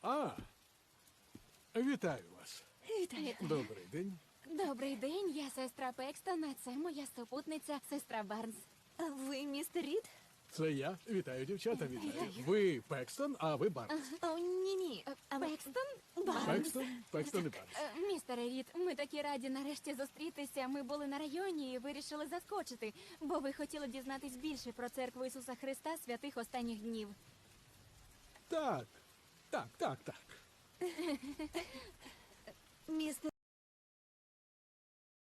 Вітаю вас. Вітаю. Добрий день. Добрий день, я сестра Пекстон, а це моя супутниця, сестра Барнс. А ви містер Рід? Це я. Вітаю, дівчата, вітаю. Ви Пекстон, а ви Барнс. О, ні-ні. Пекстон? Пекстон і Барнс. Містере Рід, ми такі раді нарешті зустрітися. Ми були на районі і вирішили заскочити, бо ви хотіли дізнатись більше про церкву Ісуса Христа святих останніх днів. Так. Містер